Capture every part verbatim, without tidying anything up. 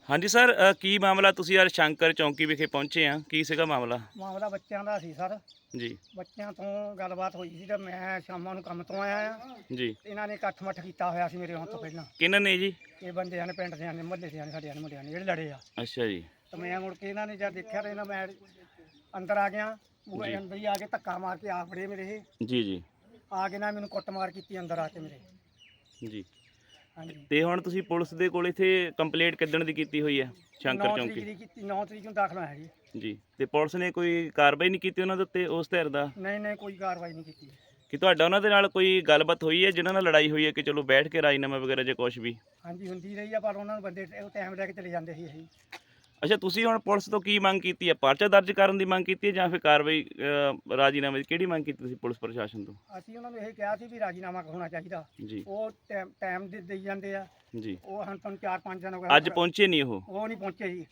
ਹਾਂਜੀ ਸਰ, ਅ, ਕੀ ਮਾਮਲਾ? ਤੁਸੀਂ ਯਾਰ ਸ਼ੰਕਰ ਚੌਂਕੀ ਵਿਖੇ ਪਹੁੰਚੇ ਆ, ਕੀ ਸੀਗਾ ਮਾਮਲਾ? ਮਾਮਲਾ ਬੱਚਿਆਂ ਦਾ ਸੀ ਸਰ। ਜੀ ਬੱਚਿਆਂ ਤੋਂ ਗੱਲਬਾਤ ਹੋਈ ਸੀ ਤੇ ਮੈਂ ਸ਼ਾਮਾਂ ਨੂੰ ਕੰਮ ਤੋਂ ਆਇਆ ਆ। ਜੀ। ਇਹਨਾਂ ਨੇ ਇਕੱਠ ਮੱਠ ਕੀਤਾ ਹੋਇਆ ਸੀ ਮੇਰੇ ਆਉਣ ਤੋਂ ਪਹਿਲਾਂ। ਕਿਹਨਾਂ ਨੇ ਜੀ? ਇਹ ਬੰਦਿਆਂ ਨੇ, ਪਿੰਡ ਦਿਆਂ ਨੇ, ਮੁਹੱਲੇ ਦਿਆਂ ਨੇ, ਸਾਡੇ ਮੁੰਡਿਆਂ ਨੇ ਜਿਹੜੇ ਲੜੇ ਆ। ਅੱਛਾ ਜੀ। ਤੇ ਮੈਂ ਮੁੜ ਕੇ ਇਹਨਾਂ ਨੇ ਜਦ ਦੇਖਿਆ ਤੇ ਇਹਨਾਂ ਮੈਂ ਅੰਦਰ ਆ ਗਿਆ। ਉਹ ਜੀ। ਅੰਦਰ ਹੀ ਆ ਕੇ ਧੱਕਾ ਮਾਰ ਕੇ ਆ ਫੜੇ ਮੇਰੇ ਇਹ। ਜੀ ਜੀ ਆ ਕੇ ਨਾ ਮੈਨੂੰ ਕੁੱਟਮਾਰ ਕੀਤੀ ਅੰਦਰ ਆ ਕੇ ਮੇਰੇ। ਜੀ। ਹਾਂਜੀ। ਤੇ ਹੁਣ ਤੁਸੀਂ ਪੁਲਿਸ ਦੇ ਕੋਲ ਇੱਥੇ ਕੰਪਲੇਂਟ ਕਿੱਦਣ ਦੀ ਕੀਤੀ ਹੋਈ ਹੈ ਸ਼ੰਕਰ ਨੌਂ ਤਰੀਕ ਚੌਂਕੀ? ਦੀ ਕੀਤੀ, ਨੌਂ ਤਰੀਕ ਨੂੰ ਦਾਖਲ ਹੋਇਆ ਜੀ। ਜੀ। ਤੇ ਪੁਲਿਸ ਨੇ ਕੋਈ ਕਾਰਵਾਈ ਨਹੀਂ ਕੀਤੀ ਉਹਨਾਂ ਦੇ ਉੱਤੇ, ਉਸ ਧਿਰ ਦਾ? ਨਹੀਂ ਨਹੀਂ, ਕੋਈ ਕਾਰਵਾਈ ਨਹੀਂ ਕੀਤੀ। ਕਿ ਤੁਹਾਡਾ ਉਹਨਾਂ ਦੇ ਨਾਲ ਕੋਈ ਗੱਲਬਾਤ ਹੋਈ ਹੈ ਜਿਨ੍ਹਾਂ ਨਾਲ ਲੜਾਈ ਹੋਈ ਹੈ ਕਿ ਚਲੋ ਬੈਠ ਕੇ ਰਾਜੀਨਾਮਾ ਵਗੈਰਾ ਜਾਂ ਕੁਝ ਵੀ? ਹਾਂਜੀ, ਹੁੰਦੀ ਰਹੀ ਆ, ਪਰ ਉਹਨਾਂ ਨੂੰ ਬੰਦੇ ਟਾਈਮ ਲੈ ਕੇ ਚਲੇ ਜਾਂਦੇ ਸੀ ਅਸੀਂ। ਅੱਛਾ, ਤੁਸੀਂ ਹੁਣ ਪੁਲਿਸ ਤੋਂ ਕੀ ਮੰਗ ਕੀਤੀ ਹੈ? ਪਰਚਾ ਦਰਜ ਕਰਨ ਦੀ ਮੰਗ ਕੀਤੀ ਹੈ ਜਾਂ ਫਿਰ ਕਾਰਵਾਈ, ਅ, ਰਾਜੀਨਾਮੇ ਦੀ ਕਿਹੜੀ ਮੰਗ ਕੀਤੀ ਤੁਸੀਂ ਪੁਲਿਸ ਪ੍ਰਸ਼ਾਸਨ ਤੋਂ? ਅਸੀਂ ਉਹਨਾਂ ਨੂੰ ਇਹ ਕਿਹਾ ਸੀ ਵੀ ਰਾਜੀਨਾਮਾ ਹੋਣਾ ਚਾਹੀਦਾ। ਜੀ ਉਹ ਟਾਈਮ ਦੇ ਦੇਈ ਜਾਂਦੇ ਆ। ਜੀ। ਉਹ ਹਨ ਤੁਹਾਨੂੰ ਚਾਰ ਪੰਜ ਦਿਨ ਹੋ ਗਏ, ਅੱਜ ਪਹੁੰਚੇ ਨਹੀਂ ਉਹ? ਉਹ ਨਹੀਂ ਪਹੁੰਚੇ ਜੀ।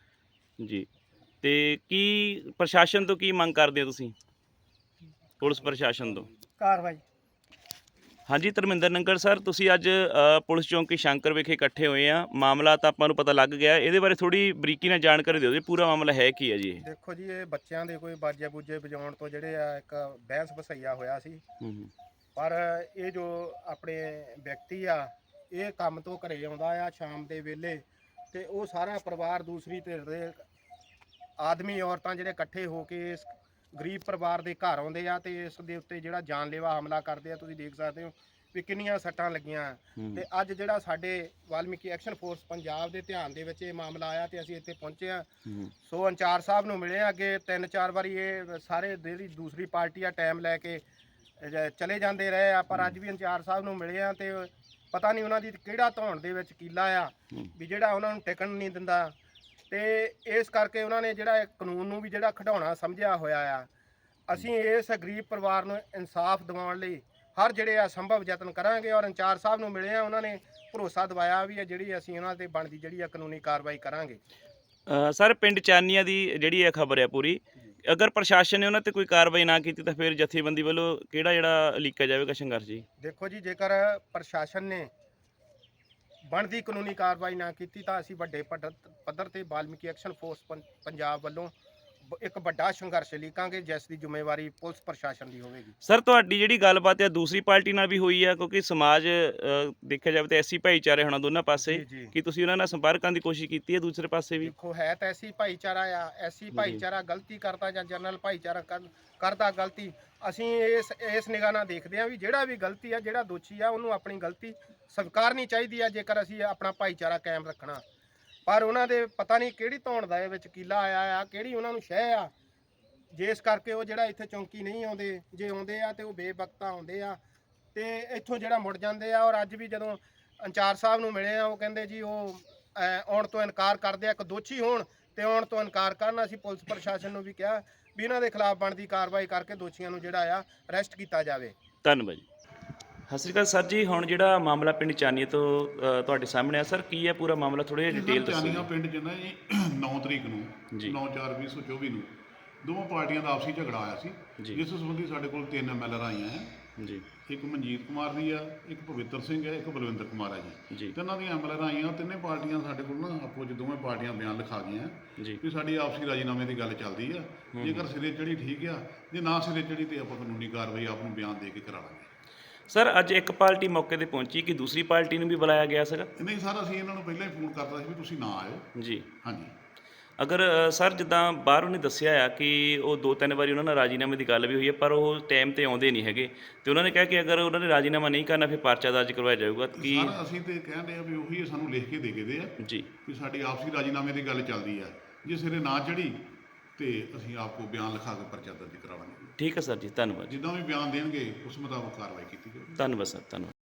ਜੀ। ਤੇ ਕੀ ਪ੍ਰਸ਼ਾਸਨ ਤੋਂ ਕੀ ਮੰਗ ਕਰਦੇ ਹੋ ਤੁਸੀਂ, ਪੁਲਿਸ ਪ੍ਰਸ਼ਾਸਨ ਤੋਂ? ਕਾਰਵਾਈ। ਹਾਂਜੀ ਧਰਮਿੰਦਰ ਨੰਗਲ ਸਰ, ਤੁਸੀਂ ਅੱਜ ਅ, ਪੁਲਿਸ ਚੌਂਕੀ ਸ਼ੰਕਰ ਵਿਖੇ ਇਕੱਠੇ ਹੋਏ ਆ। ਮਾਮਲਾ ਤਾਂ ਆਪਾਂ ਨੂੰ ਪਤਾ ਲੱਗ ਗਿਆ, ਇਹਦੇ ਬਾਰੇ ਥੋੜੀ ਬਰੀਕੀ ਨਾਲ ਜਾਣਕਾਰੀ ਦਿਓ ਜੀ, ਪੂਰਾ ਮਾਮਲਾ ਹੈ ਕੀ ਹੈ ਜੀ ਇਹ? ਦੇਖੋ ਜੀ, ਇਹ ਬੱਚਿਆਂ ਦੇ ਕੋਈ ਬਾਜੇ ਬੂਜੇ ਵਜਾਉਣ ਤੋਂ ਜਿਹੜੇ ਆ ਇੱਕ ਬਹਿਸ ਵਸਈਆ ਹੋਇਆ ਸੀ। ਹੂੰ ਹੂੰ। ਪਰ ਇਹ ਜੋ ਆਪਣੇ ਵਿਅਕਤੀ ਆ, ਇਹ ਕੰਮ ਤੋਂ ਘਰੇ ਆਉਂਦਾ ਆ ਸ਼ਾਮ ਦੇ ਵੇਲੇ, ਤੇ ਉਹ ਸਾਰਾ ਪਰਿਵਾਰ ਦੂਸਰੀ ਧਿਰ ਦੇ ਆਦਮੀ ਔਰਤਾਂ ਜਿਹੜੇ ਇਕੱਠੇ ਹੋ ਕੇ ਇਸ ਗਰੀਬ ਪਰਿਵਾਰ ਦੇ ਘਰ ਆਉਂਦੇ ਆ ਤੇ ਇਸ ਦੇ ਉੱਤੇ ਜਿਹੜਾ ਜਾਨਲੇਵਾ ਹਮਲਾ ਕਰਦੇ ਆ। ਤੁਸੀਂ ਦੇਖ ਸਕਦੇ ਹੋ ਵੀ ਕਿੰਨੀਆਂ ਸੱਟਾਂ ਲੱਗੀਆਂ। ਤੇ ਅੱਜ ਜਿਹੜਾ ਸਾਡੇ ਵਾਲਮੀਕੀ ਐਕਸ਼ਨ ਫੋਰਸ ਪੰਜਾਬ ਦੇ ਧਿਆਨ ਦੇ ਵਿੱਚ ਇਹ ਮਾਮਲਾ ਆਇਆ ਤੇ ਅਸੀਂ ਇੱਥੇ ਪਹੁੰਚੇ ਆ। ਸੋ ਅੰਚਾਰ ਸਾਹਿਬ ਨੂੰ ਮਿਲੇ ਆ। ਅੱਗੇ ਤਿੰਨ ਚਾਰ ਵਾਰੀ ਇਹ ਸਾਰੇ ਜਿਹੜੀ ਦੂਸਰੀ ਪਾਰਟੀ ਆ ਟਾਈਮ ਲੈ ਕੇ ਜ- ਚਲੇ ਜਾਂਦੇ ਰਹੇ ਆ, ਪਰ ਅੱਜ ਵੀ ਅੰਚਾਰ ਸਾਹਿਬ ਨੂੰ ਮਿਲੇ ਆ ਤੇ ਪਤਾ ਨਹੀਂ ਉਹਨਾਂ ਦੀ ਕਿਹੜਾ ਧੌਣ ਦੇ ਵਿੱਚ ਕੀਲਾ ਆ ਵੀ ਜਿਹੜਾ ਉਹਨਾਂ ਨੂੰ ਟਿਕਣ ਨਹੀਂ ਦਿੰਦਾ। ਤੇ ਇਸ ਕਰਕੇ ਉਹਨਾਂ ਨੇ ਜਿਹੜਾ ਇਹ ਕਾਨੂੰਨ ਨੂੰ ਵੀ ਜਿਹੜਾ ਖਿਡਾਉਣਾ ਸਮਝਿਆ ਹੋਇਆ ਆ। ਅਸੀਂ ਇਸ ਗਰੀਬ ਪਰਿਵਾਰ ਨੂੰ ਇਨਸਾਫ ਦਿਵਾਉਣ ਲਈ ਹਰ ਜਿਹੜੇ ਆ ਸੰਭਵ ਯਤਨ ਕਰਾਂਗੇ। ਔਰ ਅੰਚਾਰ ਸਾਹਿਬ ਨੂੰ ਮਿਲੇ ਆ, ਉਹਨਾਂ ਨੇ ਭਰੋਸਾ ਦਿਵਾਇਆ ਵੀ ਇਹ ਜਿਹੜੀ ਅਸੀਂ ਉਹਨਾਂ ਤੇ ਬਣਦੀ ਜਿਹੜੀ ਆ ਕਾਨੂੰਨੀ ਕਾਰਵਾਈ ਕਰਾਂਗੇ। ਅ, ਸਰ ਪਿੰਡ ਚਾਨੀਆਂ ਦੀ ਜਿਹੜੀ ਇਹ ਖਬਰ ਹੈ ਪੂਰੀ, ਅਗਰ ਪ੍ਰਸ਼ਾਸਨ ਨੇ ਉਹਨਾਂ ਤੇ ਕੋਈ ਕਾਰਵਾਈ ਨਾ ਕੀਤੀ ਤਾਂ ਫਿਰ ਜਥੇਬੰਦੀ ਵੱਲੋਂ ਕਿਹੜਾ ਜਿਹੜਾ ਲੀਕਾ ਜਾਵੇਗਾ ਸੰਘਰਸ਼ ਜੀ? ਦੇਖੋ ਜੀ, ਜੇਕਰ ਪ੍ਰਸ਼ਾਸਨ ਨੇ ਬਣਦੀ ਕਾਨੂੰਨੀ ਕਾਰਵਾਈ ਨਾ ਕੀਤੀ ਤਾਂ ਅਸੀਂ ਵੱਡੇ ਪੱਧਰ ਪੱਧਰ ਤੇ ਵਾਲਮੀਕੀ ਐਕਸ਼ਨ ਫੋਰਸ ਪੰ- ਪੰਜਾਬ ਵੱਲੋਂ ਬ- ਇੱਕ ਵੱਡਾ ਸੰਘਰਸ਼ ਲੀਕਾਂਗੇ, ਜਿਸ ਦੀ ਜ਼ਿੰਮੇਵਾਰੀ ਪੁਲਿਸ ਪ੍ਰਸ਼ਾਸਨ ਦੀ ਹੋਵੇਗੀ। ਸਰ ਤੁਹਾਡੀ ਜਿਹੜੀ ਗੱਲਬਾਤ ਹੈ ਦੂਸਰੀ ਪਾਰਟੀ ਨਾਲ ਵੀ ਹੋਈ ਹੈ, ਕਿਉਂਕਿ ਸਮਾਜ ਅ, ਦੇਖਿਆ ਜਾਵੇ ਤਾਂ ਐਸੀ ਭਾਈਚਾਰੇ ਹੋਣਾ ਦੋਨਾਂ ਪਾਸੇ, ਜੀ, ਜੀ। ਕੀ ਤੁਸੀਂ ਉਹਨਾਂ ਨਾਲ ਸੰਪਰਕ ਕਰਨ ਦੀ ਕੋਸ਼ਿਸ਼ ਕੀਤੀ ਹੈ ਦੂਸਰੇ ਪਾਸੇ ਵੀ? ਦੇਖੋ, ਹੈ ਤਾਂ ਐਸੀ ਭਾਈਚਾਰਾ ਆ, ਐਸੀ ਭਾਈਚਾਰਾ ਗਲਤੀ ਕਰਦਾ ਜਾਂ ਜਨਰਲ ਭਾਈਚਾਰਾ ਕਰ- ਕਰਦਾ ਗਲਤੀ, ਅਸੀਂ ਇਸ ਇਸ ਨਿਗਾਹ ਨਾਲ ਦੇਖਦੇ ਆ ਵੀ ਜਿਹੜਾ ਵੀ ਗਲਤੀ ਆ, ਜਿਹੜਾ ਦੋਸ਼ੀ ਆ, ਉਹਨੂੰ ਆਪਣੀ ਗਲਤੀ ਸਵੀਕਾਰਨੀ ਚਾਹੀਦੀ ਆ ਜੇਕਰ ਅਸੀਂ ਆਪਣਾ ਭਾਈਚਾਰਾ ਕਾਇਮ ਰੱਖਣਾ। ਪਰ ਉਹਨਾਂ ਦੇ ਪਤਾ ਨਹੀਂ ਕਿਹੜੀ ਧੌਣ ਦਾ ਇਹ ਵਿੱਚ ਕੀਲਾ ਆਇਆ ਆ, ਕਿਹੜੀ ਉਹਨਾਂ ਨੂੰ ਸ਼ਹਿ ਆ, ਜਿਸ ਕਰਕੇ ਉਹ ਜਿਹੜਾ ਇੱਥੇ ਚੌਂਕੀ ਨਹੀਂ ਆਉਂਦੇ। ਜੇ ਆਉਂਦੇ ਆ ਤੇ ਉਹ ਬੇਵਕਤਾ ਆਉਂਦੇ ਆ ਤੇ ਇੱਥੋਂ ਜਿਹੜਾ ਮੁੜ ਜਾਂਦੇ ਆ। ਔਰ ਅੱਜ ਵੀ ਜਦੋਂ ਅੰਚਾਰ ਸਾਹਿਬ ਨੂੰ ਮਿਲੇ ਆ, ਉਹ ਕਹਿੰਦੇ ਜੀ ਉਹ ਅਹ, ਆਉਣ ਤੋਂ ਇਨਕਾਰ ਕਰਦੇ ਆ। ਇੱਕ ਦੋਸ਼ੀ ਹੋਣ ਤੇ ਆਉਣ ਤੋਂ ਇਨਕਾਰ ਕਰਨ। ਅਸੀਂ ਪੁਲਿਸ ਪ੍ਰਸ਼ਾਸਨ ਨੂੰ ਵੀ ਕਿਹਾ ਵੀ ਇਹਨਾਂ ਦੇ ਖਿਲਾਫ ਬਣਦੀ ਕਾਰਵਾਈ ਕਰਕੇ ਦੋਸ਼ੀਆਂ ਨੂੰ ਜਿਹੜਾ ਆ ਅਰੈਸਟ ਕੀਤਾ ਜਾਵੇ। ਧੰਨਵਾਦ ਜੀ। ਸਤਿ ਸ਼੍ਰੀ ਅਕਾਲ ਸਰ ਜੀ, ਹੁਣ ਜਿਹੜਾ ਮਾਮਲਾ ਪਿੰਡ ਚਾਨੀਏ ਤੋਂ ਅ, ਤੁਹਾਡੇ ਸਾਹਮਣੇ ਆ ਸਰ, ਕੀ ਹੈ ਪੂਰਾ ਮਾਮਲਾ? ਥੋੜ੍ਹਾ ਜਿਹਾ ਡਿਟੇਲ ਦੱਸੋ ਚਾਨੀਆਂ ਜੀ। ਪਿੰਡ 'ਚ ਨਾ ਜੀ ਨੌਂ ਤਰੀਕ ਜੀ। ਨੂੰ ਨੌਂ ਚਾਰ ਵੀਹ ਸੌ ਚੌਵੀ ਨੂੰ ਦੋਵਾਂ ਪਾਰਟੀਆਂ ਦਾ ਆਪਸੀ ਝਗੜਾ ਆਇਆ ਸੀ, ਜੀ। ਜਿਸ ਸੰਬੰਧੀ ਸਾਡੇ ਕੋਲ ਤਿੰਨ ਐਮ ਐਲ ਆਰ ਆਈਆਂ ਹੈ। ਜੀ ਇੱਕ ਮਨਜੀਤ ਕੁਮਾਰ ਦੀ ਆ, ਇੱਕ ਪਵਿੱਤਰ ਸਿੰਘ ਹੈ, ਇੱਕ ਬਲਵਿੰਦਰ ਕੁਮਾਰ ਹੈ ਜੀ। ਜੀ। ਤਿੰਨਾਂ ਦੀਆਂ ਐਮ ਐਲ ਆਰ ਆਈਆਂ। ਤਿੰਨੇ ਪਾਰਟੀਆਂ ਸਾਡੇ ਕੋਲ ਨਾ ਆਪੋ 'ਚ ਦੋਵੇਂ ਪਾਰਟੀਆਂ ਬਿਆਨ ਲਿਖਾ ਗਈਆਂ ਜੀ। ਕਿ ਸਾਡੀ ਆਪਸੀ ਰਾਜੀਨਾਮੇ ਦੀ ਗੱਲ ਚੱਲਦੀ ਆ। ਜੇਕਰ ਸਿਰੇ ਚੜੀ ਠੀਕ ਆ, ਜੇ ਨਾ ਸਿਰੇ ਚੜੀ ਤੇ ਆਪਾਂ ਕਾਨੂੰਨੀ ਕਾਰਵਾਈ ਆਪ ਨੂੰ ਬਿਆਨ ਦੇ ਕੇ ਕਰਾ ਲਾਂਗੇ। ਸਰ ਅੱਜ ਇੱਕ ਪਾਰਟੀ ਮੌਕੇ ਤੇ ਪਹੁੰਚੀ, ਕਿ ਦੂਸਰੀ ਪਾਰਟੀ ਨੂੰ ਵੀ ਬੁਲਾਇਆ ਗਿਆ ਸੀਗਾ? ਨਹੀਂ ਸਰ, ਅਸੀਂ ਇਹਨਾਂ ਨੂੰ ਪਹਿਲਾਂ ਹੀ ਫੋਨ ਕਰਤਾ ਸੀ ਵੀ ਤੁਸੀਂ ਨਾ ਆਇਓ। ਜੀ। ਹਾਂਜੀ। ਅਗਰ ਅ, ਸਰ ਜਿੱਦਾਂ ਬਾਹਰ ਉਹਨੇ ਦੱਸਿਆ ਆ ਕਿ ਉਹ ਦੋ ਤਿੰਨ ਵਾਰੀ ਉਹਨਾਂ ਨਾਲ ਰਾਜੀਨਾਮੇ ਦੀ ਗੱਲ ਵੀ ਹੋਈ ਹੈ, ਪਰ ਉਹ ਟਾਈਮ ਤੇ ਆਉਂਦੇ ਨਹੀਂ ਹੈਗੇ, ਤੇ ਉਹਨਾਂ ਨੇ ਕਿਹਾ ਕਿ ਅਗਰ ਉਹਨਾਂ ਨੇ ਰਾਜੀਨਾਮਾ ਨਹੀਂ ਕਰਨਾ ਫਿਰ ਪਰਚਾ ਦਰਜ ਕਰਵਾਇਆ ਜਾਊਗਾ। ਕੀ ਸਰ ਅਸੀਂ ਤੇ ਕਹਿੰਦੇ ਆ ਵੀ ਉਹੀ ਸਾਨੂੰ ਲਿਖ ਕੇ ਦੇ ਕੇ ਦੇ ਆ ਜੀ ਵੀ ਸਾਡੀ ਆਪਸੀ ਰਾਜੀਨਾਮੇ ਦੀ ਗੱਲ ਚੱਲਦੀ ਆ। ਜੇ ਸਿਰੇ ਨਾ ਚੜੀ ਤੇ ਅਸੀਂ ਆਪਕੋ ਬਿਆਨ ਲਿਖਾ ਕੇ ਪਰਚਾ ਦਰਜ ਕਰਾ ਲਾਂਗੇ। ਠੀਕ ਹੈ ਸਰ ਜੀ, ਧੰਨਵਾਦ ਜੀ। ਜਿੱਦਾਂ ਵੀ ਬਿਆਨ ਦੇਣਗੇ ਉਸ ਮੁਤਾਬਕ ਕਾਰਵਾਈ ਕੀਤੀ ਜਾਵੇਗੀ। ਧੰਨਵਾਦ ਸਰ, ਧੰਨਵਾਦ।